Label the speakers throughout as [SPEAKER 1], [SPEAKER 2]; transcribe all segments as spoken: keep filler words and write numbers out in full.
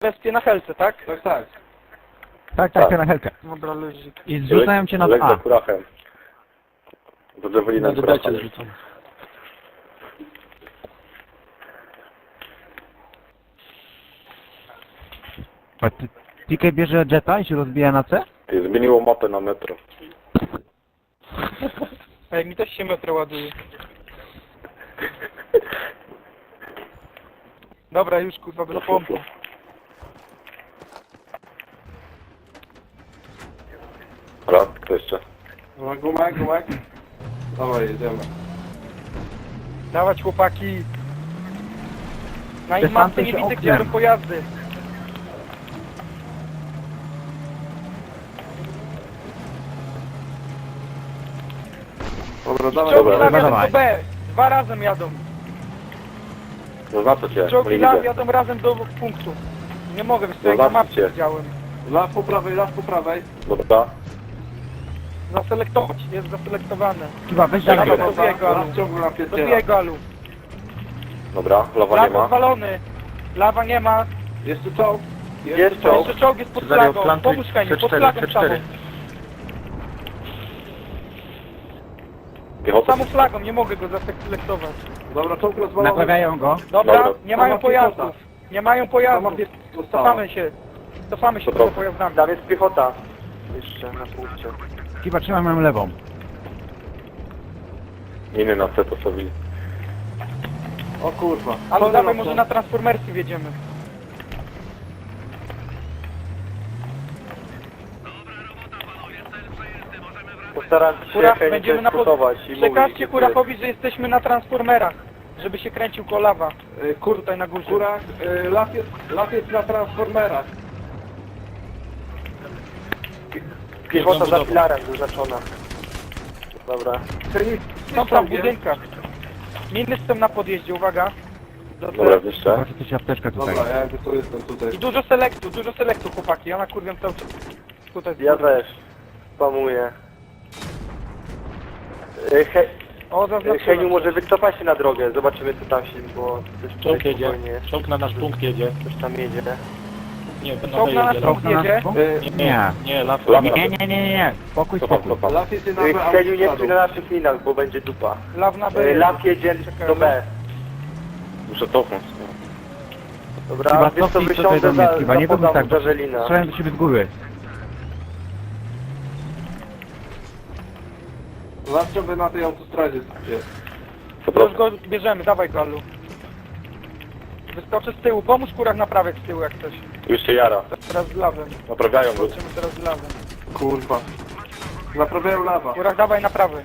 [SPEAKER 1] Wespie na helce, tak?
[SPEAKER 2] Tak, tak.
[SPEAKER 3] Tak, tak, na helkę.
[SPEAKER 1] Dobra, luzik.
[SPEAKER 3] I zrzucają cię na
[SPEAKER 4] Lek za
[SPEAKER 3] A.
[SPEAKER 4] kurachem. Do Javelina
[SPEAKER 2] Na dodajcie
[SPEAKER 4] kurachem.
[SPEAKER 2] zrzucam.
[SPEAKER 3] A ty- T K bierze jeta i się rozbija na C?
[SPEAKER 4] Ty, zmieniło mapę na metro.
[SPEAKER 1] Ej, mi też się metro ładuje. Dobra, już kurwa, do pompy.
[SPEAKER 4] Raz, kto jeszcze?
[SPEAKER 2] Gumek, gumek, gumek. Dawaj, jedziemy.
[SPEAKER 1] Dawać chłopaki. Na
[SPEAKER 3] Te
[SPEAKER 1] ich mapce
[SPEAKER 3] tamte
[SPEAKER 1] nie
[SPEAKER 3] się
[SPEAKER 1] widzę, gdzie
[SPEAKER 3] oknem.
[SPEAKER 1] jadą pojazdy.
[SPEAKER 2] Dobra, dawaj,
[SPEAKER 1] Czołgi
[SPEAKER 2] dobra.
[SPEAKER 1] law jadą
[SPEAKER 3] dawaj.
[SPEAKER 1] do B. Dwa razem jadą.
[SPEAKER 4] Zaznaczę cię, bo
[SPEAKER 1] Czołgi
[SPEAKER 4] nie
[SPEAKER 1] law
[SPEAKER 4] widzę.
[SPEAKER 1] jadą razem do punktu. Nie mogę, wiesz co, jak na
[SPEAKER 4] Zobaczcie.
[SPEAKER 1] mapce widziałem.
[SPEAKER 2] Las po prawej, las po prawej.
[SPEAKER 4] Dobra.
[SPEAKER 1] Zaselektować, jest zaselektowane.
[SPEAKER 3] Chyba weź
[SPEAKER 1] Dobra,
[SPEAKER 3] dalej.
[SPEAKER 1] to biega, Alu.
[SPEAKER 2] Las ciągle
[SPEAKER 1] Do
[SPEAKER 2] napierdziela.
[SPEAKER 1] biegu, Alu.
[SPEAKER 4] Dobra, lawa nie
[SPEAKER 1] Lawa
[SPEAKER 4] ma.
[SPEAKER 1] zwalony. Lawa nie ma.
[SPEAKER 2] Jeszcze czołg.
[SPEAKER 4] Jest czołg.
[SPEAKER 1] Jeszcze czołg jest pod flagą. Pomóż Heniu, pod flagą samą.
[SPEAKER 4] Piechota.
[SPEAKER 1] Samą flagą, nie mogę go zaselektować.
[SPEAKER 2] Dobra, czołg rozwalony.
[SPEAKER 3] Naprawiają go.
[SPEAKER 1] Dobra,
[SPEAKER 4] Dobra.
[SPEAKER 1] nie mają
[SPEAKER 2] Sama
[SPEAKER 1] pojazdów.
[SPEAKER 2] piechota.
[SPEAKER 1] Nie mają
[SPEAKER 2] Sama
[SPEAKER 1] pojazdów.
[SPEAKER 2] piechota została.
[SPEAKER 1] Cofamy się. Cofamy się
[SPEAKER 4] Dobra.
[SPEAKER 1] poza pojazdami.
[SPEAKER 4] Tam jest piechota. Jeszcze na punkcie.
[SPEAKER 3] Chyba trzymam ją lewą.
[SPEAKER 4] Inny na C postawili.
[SPEAKER 2] O kurwa.
[SPEAKER 1] Ale
[SPEAKER 2] Sorry,
[SPEAKER 1] dawaj,
[SPEAKER 2] no,
[SPEAKER 1] może na transformersy wjedziemy.
[SPEAKER 4] Postaram
[SPEAKER 1] Kurach, będziemy na pod... Przekażcie Kurachowi, że jesteśmy na transformerach. Żeby się kręcił kolawa.
[SPEAKER 2] Y, Kur...
[SPEAKER 1] Tutaj na górze.
[SPEAKER 2] Kurak, y, las jest, las jest na transformerach.
[SPEAKER 4] Piechota za filarem zaznaczona. Dobra.
[SPEAKER 1] Są tam w budynkach. Miny są na podjeździe, uwaga. Do
[SPEAKER 4] Dobra, jeszcze.
[SPEAKER 3] Zobaczcie, coś apteczkę tutaj.
[SPEAKER 2] Dobra, ja jakby tu jestem tutaj.
[SPEAKER 1] I dużo selektu, dużo selektu chłopaki. Ja nakurwiam cały czas. Tutaj.
[SPEAKER 5] Ja też. Spamuję. E, He,
[SPEAKER 1] O,
[SPEAKER 5] e,
[SPEAKER 1] zaznaczyłem.
[SPEAKER 5] Heniu, może wycofa się na drogę. Zobaczymy co tam się, bo coś
[SPEAKER 6] Czołg
[SPEAKER 5] tutaj
[SPEAKER 6] jedzie,
[SPEAKER 5] spokojnie.
[SPEAKER 6] czołg na nasz punkt jedzie.
[SPEAKER 5] Coś tam jedzie.
[SPEAKER 6] Nie, to
[SPEAKER 1] Czołg na
[SPEAKER 6] na
[SPEAKER 1] nasz
[SPEAKER 6] jedzie.
[SPEAKER 1] punkt
[SPEAKER 3] Czołg na
[SPEAKER 1] jedzie.
[SPEAKER 3] nasz punkt?
[SPEAKER 2] Y,
[SPEAKER 6] Nie,
[SPEAKER 3] Nie.
[SPEAKER 6] nie, las.
[SPEAKER 4] Lama.
[SPEAKER 3] Nie, nie, nie, nie, nie. Spokój,
[SPEAKER 4] Cofam,
[SPEAKER 3] spokój.
[SPEAKER 4] cofam.
[SPEAKER 2] las jest na
[SPEAKER 5] E, Heniu, nie
[SPEAKER 2] autostradą.
[SPEAKER 5] stój na naszych linach, bo będzie dupa.
[SPEAKER 1] Law na
[SPEAKER 5] E,
[SPEAKER 1] B.
[SPEAKER 5] Las jedzie
[SPEAKER 1] Czekaj,
[SPEAKER 5] do B.
[SPEAKER 4] Muszę cofnąć.
[SPEAKER 5] Dobra,
[SPEAKER 3] Chyba
[SPEAKER 5] wiesz co,
[SPEAKER 3] cofnij tutaj
[SPEAKER 5] wysiądę
[SPEAKER 3] do mnie,
[SPEAKER 5] za,
[SPEAKER 3] chyba nie
[SPEAKER 5] za
[SPEAKER 3] wychodź tak.
[SPEAKER 5] podam Javelina.
[SPEAKER 3] Strzelałem do siebie z góry.
[SPEAKER 2] Las ciągle na tej autostradzie jest.
[SPEAKER 4] Co
[SPEAKER 1] Już
[SPEAKER 4] proszę.
[SPEAKER 1] go bierzemy, dawaj go, Alu. Wyskoczę z tyłu, pomóż Kurak naprawiać z tyłu jak coś.
[SPEAKER 4] Już się jara.
[SPEAKER 1] Teraz z lawem.
[SPEAKER 4] Naprawiają go.
[SPEAKER 1] Zobaczymy teraz z lawem.
[SPEAKER 2] Kurwa. Naprawiają lawa.
[SPEAKER 1] Kurak, dawaj naprawy.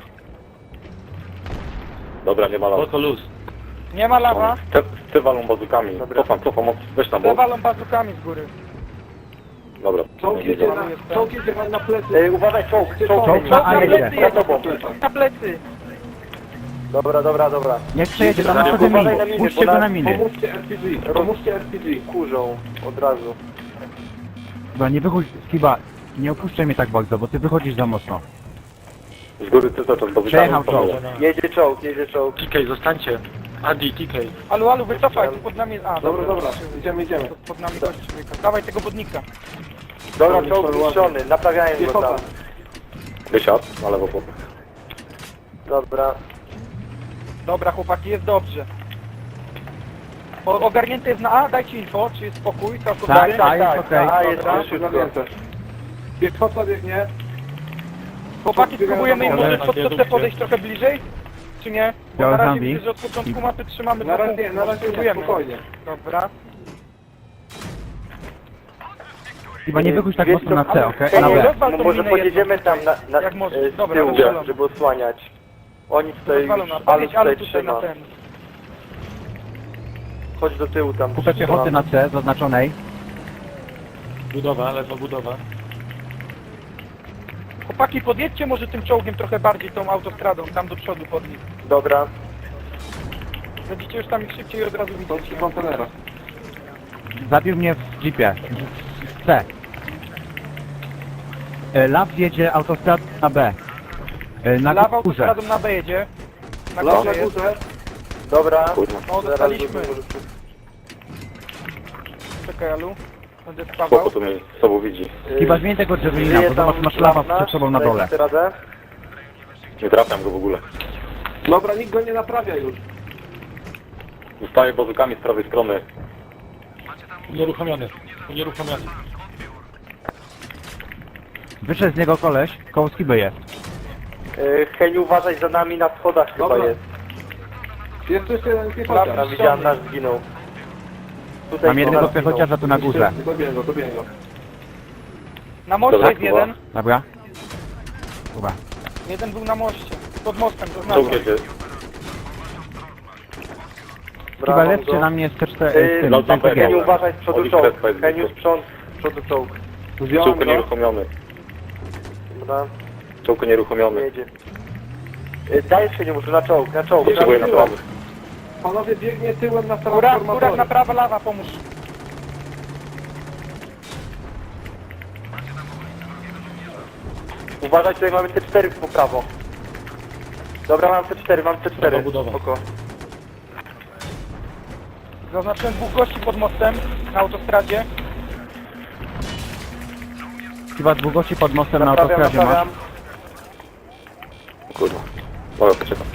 [SPEAKER 4] Dobra, nie ma lawa.
[SPEAKER 6] Oko luz.
[SPEAKER 1] Nie ma lawa.
[SPEAKER 4] Te, te walą bazukami.
[SPEAKER 5] Dobra.
[SPEAKER 4] Cofam, cofam, weź tam
[SPEAKER 1] Te
[SPEAKER 4] bok.
[SPEAKER 1] walą bazukami z góry.
[SPEAKER 4] Dobra.
[SPEAKER 2] Czołg jedzie na, czołg jedzie wam na plecy.
[SPEAKER 5] E, uważaj, czołg, czołg.
[SPEAKER 3] Czołg
[SPEAKER 5] Heniu.
[SPEAKER 3] na A
[SPEAKER 1] na
[SPEAKER 3] jedzie.
[SPEAKER 1] plecy
[SPEAKER 5] Za
[SPEAKER 1] jedzie.
[SPEAKER 5] tobą.
[SPEAKER 1] Na plecy.
[SPEAKER 5] Dobra, dobra, dobra.
[SPEAKER 3] Niech przejedzie do
[SPEAKER 5] Uważaj
[SPEAKER 3] naszego
[SPEAKER 5] na
[SPEAKER 3] miny.
[SPEAKER 5] miny,
[SPEAKER 3] Puśćcie
[SPEAKER 5] bo
[SPEAKER 3] go
[SPEAKER 5] na-
[SPEAKER 3] na miny.
[SPEAKER 2] Pomóżcie R P G, pomóżcie R P G.
[SPEAKER 5] Kurzą od razu.
[SPEAKER 3] Chyba nie wychodź, chyba nie opuszczaj mnie tak bardzo, bo ty wychodzisz za mocno.
[SPEAKER 4] Z góry ty cały czas bazukami.
[SPEAKER 3] Przejechał czołg.
[SPEAKER 5] Jedzie czołg, jedzie czołg.
[SPEAKER 6] T K, zostańcie. Adi, T K.
[SPEAKER 1] Alu, Alu, wycofaj, tu pod nami... A,
[SPEAKER 2] Dobra, dobra, idziemy, idziemy.
[SPEAKER 1] Tu pod nami gość człowieka. Dawaj tego budnika.
[SPEAKER 5] Dobra,
[SPEAKER 2] Czołg
[SPEAKER 5] czołg
[SPEAKER 2] ładny.
[SPEAKER 5] zniszczony, naprawiają go
[SPEAKER 2] Piechota.
[SPEAKER 5] tam.
[SPEAKER 4] Wysiadł, na lewo po.
[SPEAKER 5] Dobra.
[SPEAKER 1] Dobra, chłopaki, jest dobrze. O, ogarnięty jest na A, dajcie info, czy jest spokój, całkowicie.
[SPEAKER 3] Tak, tak, jest okej.
[SPEAKER 5] A, jest
[SPEAKER 1] Dobra.
[SPEAKER 5] szybko.
[SPEAKER 2] Ogarnięte. Piechota biegnie.
[SPEAKER 1] Chłopaki, spróbujemy im
[SPEAKER 6] Ale
[SPEAKER 1] może pod
[SPEAKER 6] na
[SPEAKER 1] C podejść trochę bliżej? Czy nie? Bo
[SPEAKER 3] Białe
[SPEAKER 1] na razie
[SPEAKER 3] zombie.
[SPEAKER 1] widzę, że od początku mapy trzymamy
[SPEAKER 2] Na
[SPEAKER 1] dwa
[SPEAKER 2] razie,
[SPEAKER 1] punkty,
[SPEAKER 2] na razie nie,
[SPEAKER 1] spróbujemy.
[SPEAKER 2] spokojnie.
[SPEAKER 1] Dobra.
[SPEAKER 3] Chyba nie wychodź tak
[SPEAKER 5] Wiesz
[SPEAKER 3] mocno na
[SPEAKER 5] co,
[SPEAKER 3] C, okej?
[SPEAKER 1] Ej,
[SPEAKER 3] Na
[SPEAKER 1] nie,
[SPEAKER 3] B.
[SPEAKER 1] rozwal
[SPEAKER 5] No
[SPEAKER 1] tą
[SPEAKER 5] może
[SPEAKER 1] minę
[SPEAKER 5] pojedziemy
[SPEAKER 1] jedną.
[SPEAKER 5] tam na, na,
[SPEAKER 1] Jak może.
[SPEAKER 5] e, z
[SPEAKER 1] Dobra,
[SPEAKER 5] tyłu,
[SPEAKER 1] rozwalam.
[SPEAKER 5] żeby osłaniać. Oni tutaj już,
[SPEAKER 1] Rozwalona,
[SPEAKER 5] ale
[SPEAKER 1] powiedz ale
[SPEAKER 5] tutaj
[SPEAKER 1] tutaj na
[SPEAKER 5] trzyma.
[SPEAKER 1] ten.
[SPEAKER 5] Chodź do tyłu tam.
[SPEAKER 3] Kupę piechoty na C, zaznaczonej.
[SPEAKER 6] Budowa, lewa budowa.
[SPEAKER 1] Chłopaki, podjedźcie może tym czołgiem trochę bardziej tą autostradą, tam do przodu pod nich.
[SPEAKER 5] Dobra.
[SPEAKER 1] Będziecie już tam ich szybciej od razu
[SPEAKER 2] Są
[SPEAKER 1] widzieć.
[SPEAKER 2] trzy kontenera.
[SPEAKER 3] Zabił mnie w jeepie. W C. E, Law jedzie autostradą na B. E, Na
[SPEAKER 1] Lawa
[SPEAKER 3] górze.
[SPEAKER 1] autostradą na B jedzie. Na
[SPEAKER 2] Las
[SPEAKER 1] górze
[SPEAKER 2] na
[SPEAKER 1] jest.
[SPEAKER 2] górze.
[SPEAKER 5] Dobra.
[SPEAKER 4] Kurwa.
[SPEAKER 1] O,
[SPEAKER 5] Zaraz
[SPEAKER 1] dostaliśmy.
[SPEAKER 5] będę-
[SPEAKER 1] Czekaj, Alu. Będę
[SPEAKER 4] Spoko,
[SPEAKER 1] spawał.
[SPEAKER 4] to mnie z sobą widzi.
[SPEAKER 3] Skiba, zmień tego drzewina, bo zobacz, masz lawa przed sobą na dole.
[SPEAKER 5] Dajcie radę?
[SPEAKER 4] Nie trafiam go w ogóle.
[SPEAKER 2] Dobra, nikt go nie naprawia już.
[SPEAKER 4] Zostaję bazukami z prawej strony.
[SPEAKER 6] Unieruchomiony. Unieruchomiony.
[SPEAKER 3] Wyszedł z niego koleś, koło Skiby jest.
[SPEAKER 5] Yy, Heniu, uważaj za nami na schodach chyba
[SPEAKER 2] Dobra.
[SPEAKER 5] jest.
[SPEAKER 2] Jest jeszcze jeden piechociarz.
[SPEAKER 5] Tam widziałem, nasz zginął. Tutaj
[SPEAKER 3] Mam jednego
[SPEAKER 5] nasz zginął.
[SPEAKER 3] piechociarza tu na górze.
[SPEAKER 2] Dobiję go, dobiję go.
[SPEAKER 1] Na moście
[SPEAKER 4] Dobra,
[SPEAKER 1] jest
[SPEAKER 4] Kuba.
[SPEAKER 1] jeden.
[SPEAKER 3] Dobra? Chyba.
[SPEAKER 1] Jeden był na moście. Pod mostem, to
[SPEAKER 4] Czołg
[SPEAKER 1] znaczy.
[SPEAKER 4] jedzie.
[SPEAKER 3] Skiba,
[SPEAKER 5] Brawo,
[SPEAKER 3] lepcie
[SPEAKER 5] go.
[SPEAKER 3] na mnie z T cztery,
[SPEAKER 5] Yy,
[SPEAKER 3] z tym,
[SPEAKER 4] no,
[SPEAKER 3] z M P G.
[SPEAKER 5] Heniu, uważaj z przodu
[SPEAKER 4] Oli
[SPEAKER 5] czołg.
[SPEAKER 4] Krespa jest
[SPEAKER 5] Heniu,
[SPEAKER 4] blisko.
[SPEAKER 5] sprząt, z przodu czołg.
[SPEAKER 2] Wziąłem
[SPEAKER 4] Czołg
[SPEAKER 2] go.
[SPEAKER 4] nieruchomiony.
[SPEAKER 5] Dobra,
[SPEAKER 4] Czołg nieruchomiony.
[SPEAKER 5] jedzie. Yy, Dajesz Heniu, może na czołg, na czołg.
[SPEAKER 4] Potrzebuję naprawy.
[SPEAKER 2] Panowie, biegnie tyłem na
[SPEAKER 1] Góra, góra na
[SPEAKER 2] transformatory.
[SPEAKER 1] prawa, lawa, pomóż.
[SPEAKER 5] Uważaj, tutaj mamy C cztery po prawo. Dobra, mam C cztery, mam C cztery.
[SPEAKER 6] Dobra, budowa.
[SPEAKER 5] Spoko.
[SPEAKER 1] Zaznaczyłem dwóch gości pod mostem na autostradzie.
[SPEAKER 3] Skiba, długości pod mostem na
[SPEAKER 5] Naprawiam,
[SPEAKER 3] autostradzie masz.
[SPEAKER 5] naprawiam.
[SPEAKER 4] Kurwa. Dobra, poczekam.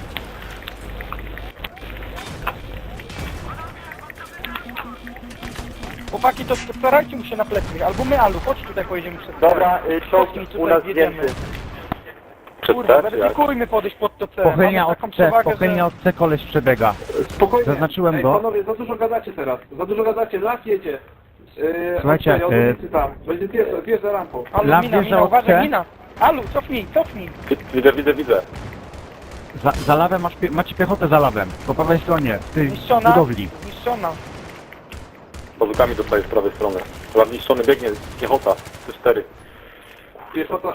[SPEAKER 1] Chłopaki, to starajcie mu się na plecy. Albo my, Alu, chodź tutaj, pojedziemy przez
[SPEAKER 5] Dobra, y, czołg
[SPEAKER 1] Cofnij tutaj,
[SPEAKER 5] u nas
[SPEAKER 1] wjedziemy.
[SPEAKER 5] zdjęty.
[SPEAKER 4] Przed
[SPEAKER 1] Kurwa,
[SPEAKER 4] C, czy jak?
[SPEAKER 1] weryfikujmy podejść pod to C.
[SPEAKER 3] Pochylnia
[SPEAKER 1] Mamy
[SPEAKER 3] od
[SPEAKER 1] taką
[SPEAKER 3] C,
[SPEAKER 1] przewagę,
[SPEAKER 3] pochylnia
[SPEAKER 1] że...
[SPEAKER 3] od C koleś przebiega.
[SPEAKER 2] Spokojnie.
[SPEAKER 3] Zaznaczyłem
[SPEAKER 2] Ej,
[SPEAKER 3] go.
[SPEAKER 2] panowie, za dużo gadacie teraz. Za dużo gadacie, las jedzie. Yy,
[SPEAKER 3] Słuchajcie,
[SPEAKER 2] od tej
[SPEAKER 3] yy,
[SPEAKER 2] ulicy tam. Będzie wjeżdża, wjeżdża rampą.
[SPEAKER 1] Alu,
[SPEAKER 3] Lamp
[SPEAKER 1] mina,
[SPEAKER 3] wjeżdża
[SPEAKER 1] mina,
[SPEAKER 3] od
[SPEAKER 1] uważaj,
[SPEAKER 3] C.
[SPEAKER 1] mina. Alu, cofnij, cofnij.
[SPEAKER 4] Widzę, widzę, widzę.
[SPEAKER 3] Za, za lawem masz, pie- macie piechotę za lawem. Po prawej stronie, w tej
[SPEAKER 1] Zniszczona.
[SPEAKER 3] budowli.
[SPEAKER 1] Zniszczona.
[SPEAKER 4] Bazukami dostaję z prawej strony. Chyba zniszczony biegnie piechota. C cztery.
[SPEAKER 2] Piechota.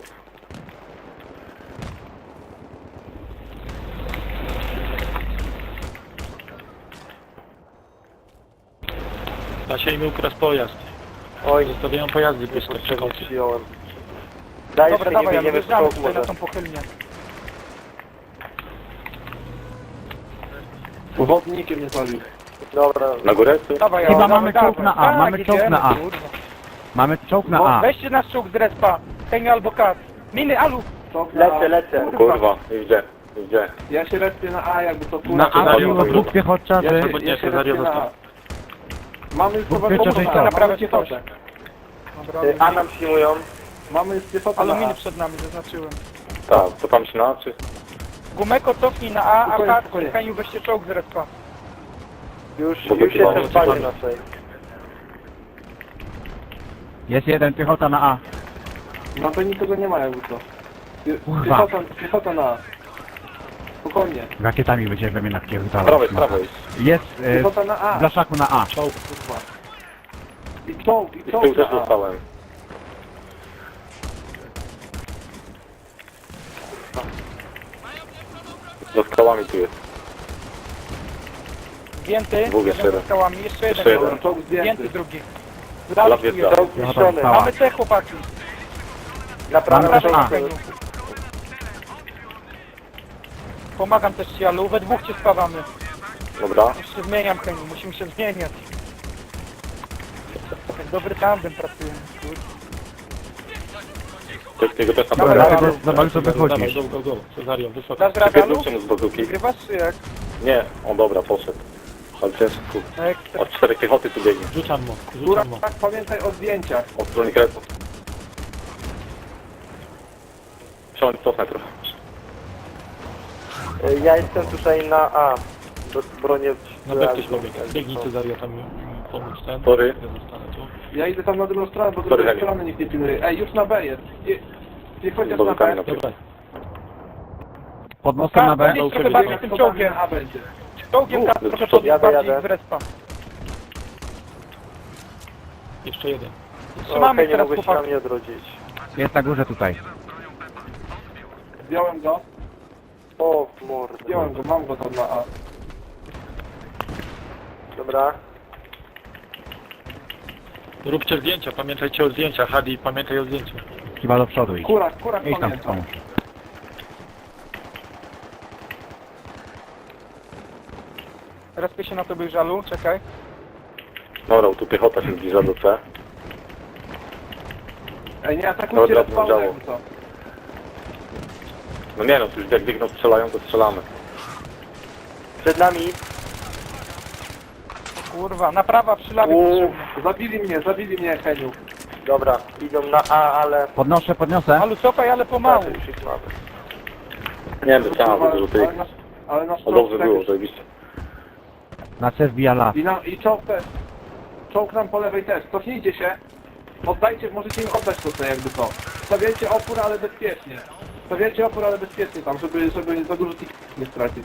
[SPEAKER 6] Da się im ukradł pojazd.
[SPEAKER 5] Oj,
[SPEAKER 6] Zostawiają pojazdy puste,
[SPEAKER 5] niepotrzebnie
[SPEAKER 6] przekoty.
[SPEAKER 5] przyjąłem. Dajesz
[SPEAKER 1] Dobra,
[SPEAKER 5] Heniu,
[SPEAKER 1] dawaj, Alu,
[SPEAKER 5] biegniemy w
[SPEAKER 1] wjeżdżamy
[SPEAKER 5] czołg
[SPEAKER 1] tutaj na
[SPEAKER 5] może.
[SPEAKER 1] tą pochylnię.
[SPEAKER 2] Wodnikiem nie zabił.
[SPEAKER 5] Dobra,
[SPEAKER 4] Na górę? Tu?
[SPEAKER 1] Dawaj,
[SPEAKER 3] Chyba
[SPEAKER 1] Alu,
[SPEAKER 3] mamy
[SPEAKER 1] dawaj,
[SPEAKER 3] czołg na
[SPEAKER 1] dawaj.
[SPEAKER 3] A, mamy
[SPEAKER 1] Tak,
[SPEAKER 3] czołg
[SPEAKER 1] idziemy,
[SPEAKER 3] na A.
[SPEAKER 1] kurwa.
[SPEAKER 3] Mamy czołg na
[SPEAKER 1] Bo
[SPEAKER 3] A.
[SPEAKER 1] weźcie nasz czołg z respa. Heniu albo kat. Miny, Alu.
[SPEAKER 2] Top na
[SPEAKER 5] lecę,
[SPEAKER 2] A.
[SPEAKER 5] lecę.
[SPEAKER 4] Kurwa, nie widzę. Nie widzę.
[SPEAKER 2] Ja się respię na A, jakby to kurwa.
[SPEAKER 3] Na A
[SPEAKER 4] Cezario
[SPEAKER 3] było
[SPEAKER 4] to
[SPEAKER 3] dwóch
[SPEAKER 4] było.
[SPEAKER 3] piechotczarzy.
[SPEAKER 2] Ja
[SPEAKER 6] Albo
[SPEAKER 2] się,
[SPEAKER 6] nie,
[SPEAKER 2] ja się
[SPEAKER 6] Cezario
[SPEAKER 2] respię na A.
[SPEAKER 6] został.
[SPEAKER 2] Mamy już
[SPEAKER 3] Dwóch
[SPEAKER 2] chyba
[SPEAKER 3] pieczęży
[SPEAKER 2] pomóc,
[SPEAKER 3] i
[SPEAKER 2] mamy
[SPEAKER 1] naprawiać
[SPEAKER 2] piechotę.
[SPEAKER 1] Dobra,
[SPEAKER 5] Y, A nam przyjmują.
[SPEAKER 2] Mamy piechotę
[SPEAKER 1] Alu,
[SPEAKER 2] na
[SPEAKER 1] miny
[SPEAKER 2] A.
[SPEAKER 1] przed nami, zaznaczyłem.
[SPEAKER 4] Tak, co tam się na, czy?
[SPEAKER 1] Gumeko cofnij na A, a
[SPEAKER 2] Spokojnie,
[SPEAKER 1] kat,
[SPEAKER 2] spokojnie.
[SPEAKER 1] Heniu weźcie czołg z respa.
[SPEAKER 5] Już,
[SPEAKER 4] Bo
[SPEAKER 5] już
[SPEAKER 4] to chyba
[SPEAKER 5] jestem w bazie
[SPEAKER 6] mamy.
[SPEAKER 5] naszej.
[SPEAKER 3] Jest jeden piechota na A.
[SPEAKER 2] No to nikogo nie ma jakby co. Pie-
[SPEAKER 3] Kurwa.
[SPEAKER 2] Piechota, piechota na A. Spokojnie.
[SPEAKER 3] Rakietami będziemy we mnie
[SPEAKER 4] Z
[SPEAKER 3] napierdalać.
[SPEAKER 4] prawej, z prawej.
[SPEAKER 3] Jest e,
[SPEAKER 2] Piechota na A.
[SPEAKER 3] w blaszaku na A.
[SPEAKER 2] Czołg, kurwa. I czołg, i
[SPEAKER 4] I z tyłu
[SPEAKER 2] czołg
[SPEAKER 4] też
[SPEAKER 2] na A.
[SPEAKER 4] dostałem. Za skałami tu jest.
[SPEAKER 1] Zdjęty,
[SPEAKER 4] Dwóch jeszcze
[SPEAKER 1] jeden za
[SPEAKER 4] jeden.
[SPEAKER 1] skałami, jeszcze jeden.
[SPEAKER 4] Jeszcze jeden.
[SPEAKER 1] Dobra,
[SPEAKER 2] Czołg zdjęty.
[SPEAKER 1] Zdjęty drugi.
[SPEAKER 4] Dla
[SPEAKER 1] Lawi tu
[SPEAKER 4] wiedza.
[SPEAKER 1] jest.
[SPEAKER 5] Czołg zniszczony.
[SPEAKER 3] Cała.
[SPEAKER 1] Mamy C, chłopaki.
[SPEAKER 5] Naprawiam
[SPEAKER 3] Mamy
[SPEAKER 5] czołg.
[SPEAKER 3] A.
[SPEAKER 1] Heniu. Pomagam też ci, Alu, we dwóch cię spawamy.
[SPEAKER 4] Dobra.
[SPEAKER 1] Już się zmieniam, Heniu, musimy się zmieniać. Jak dobry tandem pracujemy, kurde.
[SPEAKER 4] Czeskiego też tam
[SPEAKER 1] Dobra,
[SPEAKER 4] było.
[SPEAKER 3] Dlatego
[SPEAKER 1] Alu.
[SPEAKER 3] zobacz co
[SPEAKER 6] Dawaj,
[SPEAKER 3] wychodzisz.
[SPEAKER 6] go, go, go. Cezario, wysoko.
[SPEAKER 1] Dasz radę, Alu?
[SPEAKER 4] Wypierdolcie mu z bazuki.
[SPEAKER 1] Wygrywasz czy jak?
[SPEAKER 4] Nie, o dobra, poszedł. Ale ciężko.
[SPEAKER 1] Ekstra.
[SPEAKER 4] Od czterech piechoty tu biegnie.
[SPEAKER 6] Rzucam mu,
[SPEAKER 2] Góra,
[SPEAKER 6] rzucam mu.
[SPEAKER 2] tak, pamiętaj o zdjęciach.
[SPEAKER 4] Od strony kresów. Przełącz cofnę trochę.
[SPEAKER 5] Y, Ja jestem tutaj na A. Do bronię...
[SPEAKER 6] Na B ktoś pobiegł. Biegnij Cezario tam mi pomóc ten.
[SPEAKER 4] Sorry.
[SPEAKER 6] Ja zostanę tu.
[SPEAKER 2] Ja idę tam na drugą stronę, bo
[SPEAKER 4] Sorry,
[SPEAKER 2] drugiej
[SPEAKER 4] Heniu.
[SPEAKER 2] strony nikt nie pilnuje. Ej, już na B jest. Je- Niech chociaż na
[SPEAKER 4] Bazukami
[SPEAKER 2] B.
[SPEAKER 4] na
[SPEAKER 6] Dobra.
[SPEAKER 3] Pod mostem na B.
[SPEAKER 1] Podjedź trochę bardziej tym czołgiem.
[SPEAKER 2] A będzie.
[SPEAKER 1] Czołgiem
[SPEAKER 4] Mów,
[SPEAKER 1] kat,
[SPEAKER 4] do
[SPEAKER 1] trochę
[SPEAKER 4] przodu.
[SPEAKER 1] podjedź
[SPEAKER 5] Jadę,
[SPEAKER 1] bardziej
[SPEAKER 5] jadę.
[SPEAKER 1] z respa.
[SPEAKER 6] Jeszcze jeden.
[SPEAKER 1] Trzymamy
[SPEAKER 5] Okej, nie
[SPEAKER 1] teraz
[SPEAKER 5] mogę się na
[SPEAKER 1] chłopaki.
[SPEAKER 5] mnie odrodzić.
[SPEAKER 3] Jest na górze tutaj.
[SPEAKER 2] Zdjąłem go.
[SPEAKER 5] O, w mordę.
[SPEAKER 2] Zdjąłem go, mam go tam na A.
[SPEAKER 5] Dobra.
[SPEAKER 6] Róbcie zdjęcia, pamiętajcie o zdjęciach. Hadi, pamiętaj o zdjęciu.
[SPEAKER 3] Chyba do przodu idź.
[SPEAKER 2] Kurak, kurak
[SPEAKER 3] Idź tam
[SPEAKER 2] pamiętam.
[SPEAKER 3] pomóż.
[SPEAKER 1] Respię się na tobie, Żalu, czekaj.
[SPEAKER 4] Dobra, tu piechota się zbliża do C.
[SPEAKER 2] Ej, nie atakujcie
[SPEAKER 4] Dobra,
[SPEAKER 2] respawnem,
[SPEAKER 4] działo.
[SPEAKER 2] jakby co.
[SPEAKER 4] No nie no, już jak biegną strzelają, to strzelamy.
[SPEAKER 5] Przed nami.
[SPEAKER 1] Kurwa, naprawa przy lawie
[SPEAKER 2] Uuu,
[SPEAKER 1] potrzebna.
[SPEAKER 2] zabili mnie, zabili mnie, Heniu.
[SPEAKER 5] Dobra, idą na A, ale...
[SPEAKER 3] Podnoszę, podniosę.
[SPEAKER 1] Alu, cofaj, ale pomału.
[SPEAKER 5] Już ich mamy.
[SPEAKER 4] Nie wiem, chciałem dużo tych.
[SPEAKER 2] Ale nasz, ale nasz
[SPEAKER 4] No
[SPEAKER 2] czołg
[SPEAKER 4] dobrze
[SPEAKER 2] tak
[SPEAKER 4] było,
[SPEAKER 2] już-
[SPEAKER 4] zajebiście.
[SPEAKER 3] Na C wbija las.
[SPEAKER 2] I, na, I czołg też. Czołg nam po lewej też. Cofnijcie się. Oddajcie, możecie im oddać to co jakby co. Stawiajcie opór, ale bezpiecznie. Stawiajcie opór, ale bezpiecznie tam, żeby, żeby za dużo tych nie stracić.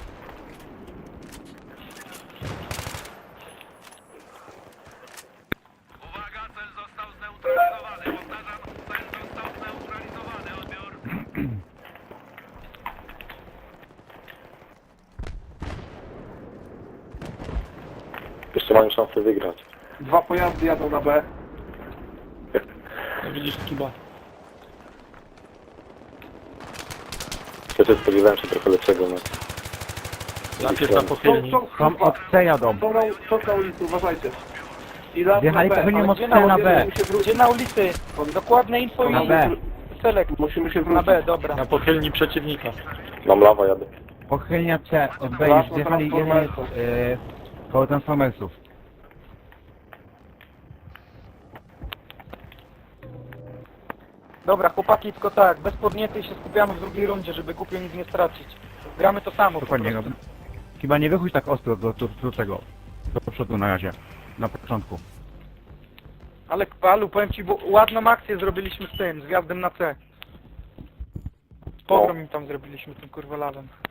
[SPEAKER 4] Jeszcze mają szansę wygrać.
[SPEAKER 2] Dwa pojazdy jadą na B.
[SPEAKER 6] No widzisz Skiba.
[SPEAKER 4] Ja też spodziewałem się trochę lepszego, no.
[SPEAKER 6] Najpierw na
[SPEAKER 2] Czołg,
[SPEAKER 6] pochylni.
[SPEAKER 2] czołg,
[SPEAKER 3] Tam
[SPEAKER 2] kurwa.
[SPEAKER 3] od C jadą.
[SPEAKER 2] Są na, czołg na ulicy, uważajcie. I las
[SPEAKER 3] Wjechali
[SPEAKER 2] na B,
[SPEAKER 3] pewnie
[SPEAKER 2] ale
[SPEAKER 3] od
[SPEAKER 2] gdzie
[SPEAKER 3] C na
[SPEAKER 2] ulicy?
[SPEAKER 3] B.
[SPEAKER 2] Musimy się
[SPEAKER 1] Gdzie
[SPEAKER 2] wrócić.
[SPEAKER 1] na ulicy? Dokładne info
[SPEAKER 3] Na
[SPEAKER 1] i
[SPEAKER 3] B.
[SPEAKER 1] select.
[SPEAKER 2] Musimy się
[SPEAKER 1] Na
[SPEAKER 2] wrócić.
[SPEAKER 1] B, dobra.
[SPEAKER 6] Na pochylni przeciwnika.
[SPEAKER 4] Mam lawa, jadę.
[SPEAKER 3] Pochylnia C od B
[SPEAKER 2] Las
[SPEAKER 3] już
[SPEAKER 2] na
[SPEAKER 3] wjechali jeden jest
[SPEAKER 2] Transformersów.
[SPEAKER 3] yy, koło Transformersów.
[SPEAKER 1] Dobra, chłopaki, tylko tak, bez podnietej się skupiamy w drugiej rundzie, żeby głupio nic nie stracić. Gramy to samo po
[SPEAKER 3] Dokładnie.
[SPEAKER 1] prostu.
[SPEAKER 3] No. Chyba nie wychodź tak ostro do, do, do tego. Do przodu na razie. Na początku.
[SPEAKER 1] Ale Alu, powiem ci, bo ładną akcję zrobiliśmy z tym, z gwiazdem na C. Pogrom im tam zrobiliśmy tym kurwa lawem.